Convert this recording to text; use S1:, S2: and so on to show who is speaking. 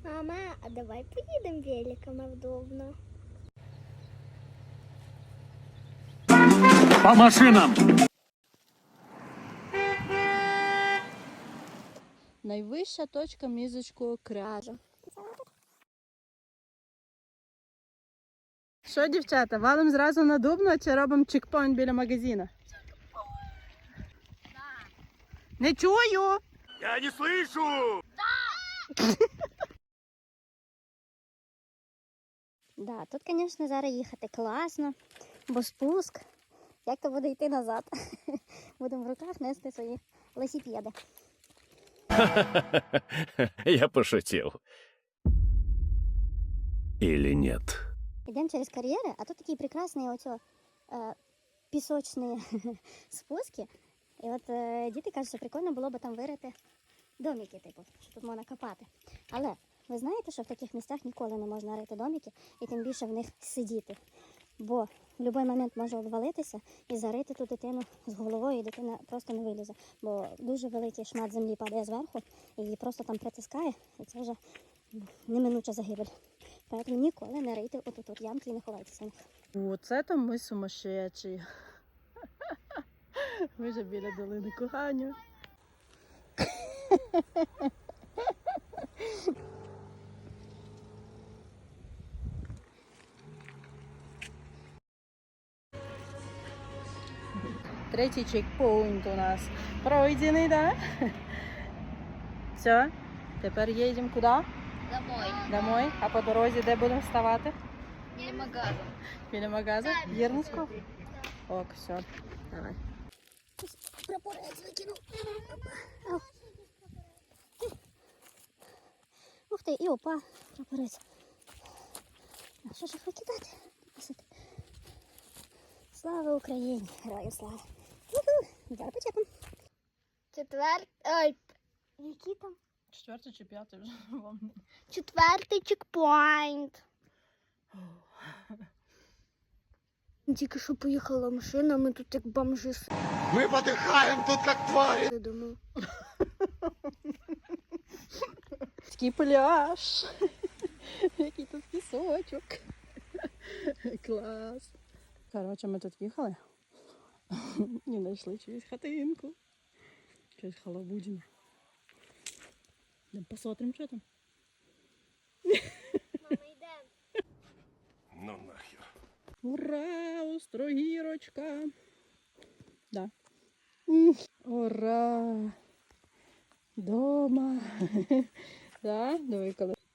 S1: Мама, а давай поїдемо великом, удобно.
S2: По машинам!
S3: Найвища точка Мізочкого кряжа. Що, дівчата, валим зразу на Дубно чи робимо чекпоінт біля магазину? Не чую!
S2: Я не слышу!
S1: Да, тут, звісно, зараз їхати класно, бо спуск. Як то буде йти назад? Будемо в руках нести свої велосипеди.
S2: Я пошутил. Или нет?
S1: Йдемо через кар'єри, а тут такі прекрасні оцю, пісочні спуски. І от діти кажуть, що прикольно було б там вирити домики, типу, що тут можна копати. Але ви знаєте, що в таких місцях ніколи не можна рити домики і тим більше в них сидіти. Бо в будь-який момент може обвалитися і зарити ту дитину з головою, і дитина просто не вилізе. Бо дуже великий шмат землі падає зверху, і її просто там притискає, і це вже неминуча загибель. Тому ніколи не рийте отут ямки і не ховайтеся в них.
S3: Оце там ми сумасшедші. Ми вже біля долини кохання. Третій чекпоінт у нас пройдений, да? Все, тепер їдемо куди?
S1: Домой.
S3: Домой. А по дорозі де будемо вставати?
S1: Біля магазу.
S3: Біля магазу? Єрмуську? Ок, все, давай.
S1: Прапорець викинув. Ух ти, і опа, прапорець. А що ж їх викидати? Слава Україні! Героям слава! Зараз почекаємо. Ой, який там?
S3: Четвертий чи п'ятий вже вам?
S1: Четвертий чекпоінт. Тільки що поїхала машина, ми тут як бомжи.
S4: Мы подыхаем тут как твари.
S1: Думаю.
S3: Такий пляж. Який тут пісочок. Клас. Коротше, ми тут їхали і знайшли чиюсь хатинку. Щось халабудіно. Йдемо посмотрим, що там.
S1: Мама, йдемо.
S2: Ну нахер.
S3: Ура, Острогірочка. Да. Ура. Дома. Да, диви, коли